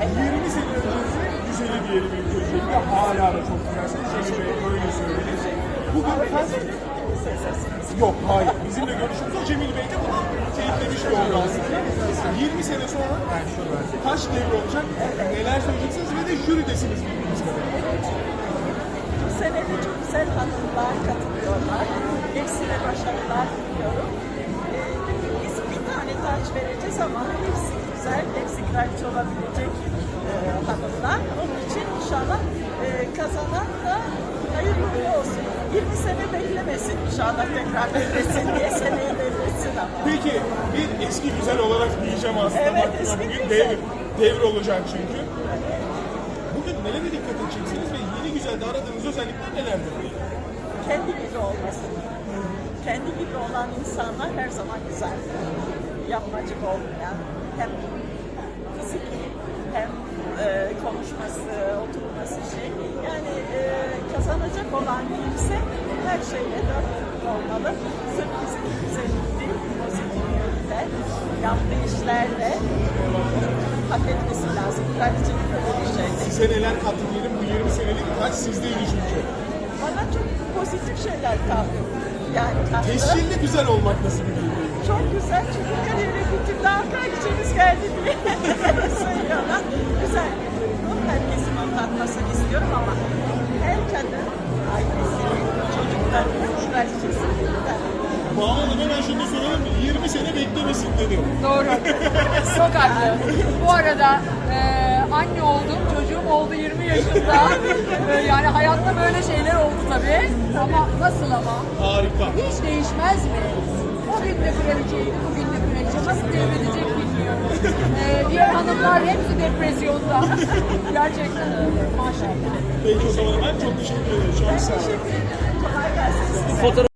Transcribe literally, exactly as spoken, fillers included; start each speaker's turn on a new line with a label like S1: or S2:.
S1: yirmi sene öncesi güzeli diyelim ilk öncelikle. Hala da çok güzelsiniz. Cemil Bey öyle söyledi. Bugün efendim... Yok, hayır. Bizimle görüşümüz o. Cemil Bey de bunu teyitlemiş bir oldu aslında. yirmi sene sonra kaç devre olacak? Neler söyleyeceksiniz ve de jüridesiniz bildiğiniz kadarıyla.
S2: Bu sene de çok güzel hanımlar katılıyorlar. Hepsine başarılar diliyorum. Ee, biz bir tane taç vereceğiz ama hepsi güzel, hepsi kraliçe olabilecek e, hanımlar. Onun için inşallah e, kazanan da hayırlı uğurlu olsun. yirmi sene beklemesin inşallah, tekrar devretsin diye seneye devretsin ama.
S1: Peki bir eski güzel olarak diyeceğim aslında.
S2: Evet,
S1: baktığımda
S2: eski
S1: bugün
S2: güzel.
S1: devir, devir olacak çünkü. Bugün nelere dikkat edeceksiniz ve yeni güzelde aradığınız özellikler nelerdir?
S2: Kendi gibi olması. Kendi gibi olan insanlar her zaman güzel. Yapmacık olmayan, hem fiziki hem e, konuşması, oturması şey. Yani e, kazanacak olan kimse her şeyle dört olmalı. Sırf fiziki güzellik değil, pozitif yönde, yaptığı işlerle hak etmesi lazım. Kraliçenin böyle bir şey.
S1: Size neler kattı diyelim bu yirmi senelik kaç sizdeydi çünkü.
S2: Bana çok pozitif şeyler kaldı. Yani kaldı.
S1: Tescilli güzel olmak nasıl bir duygu?
S2: Çok güzel çünkü her yere bütün daha kraliçemiz geldi diye söylüyorlar. Güzel bir duygu. Herkesin onu tatmasını istiyorum ama her kadın ailesinin, çocuklarının kraliçesinden.
S1: Banu Hanım hemen şunu soralım mı? yirmi sene beklemesin dedi.
S3: Doğru. Çok haklı. Bu arada e, anne oldum, çocuğum oldu yirmi yaşında. E, yani hayatta böyle şeyler oldu tabii. Ama nasıl ama?
S1: Harika.
S3: Hiç değişmez mi? O gün de kraliçeydi, bugün de kraliçe. Nasıl devredecek bilmiyorum. E, diğer hanımlar hepsi depresyonda. Gerçekten öyle. Maşallah.
S1: Peki o zaman ben çok teşekkür ederim. Çok sağ olun.
S2: Teşekkür ederim. Kolay gelsin size.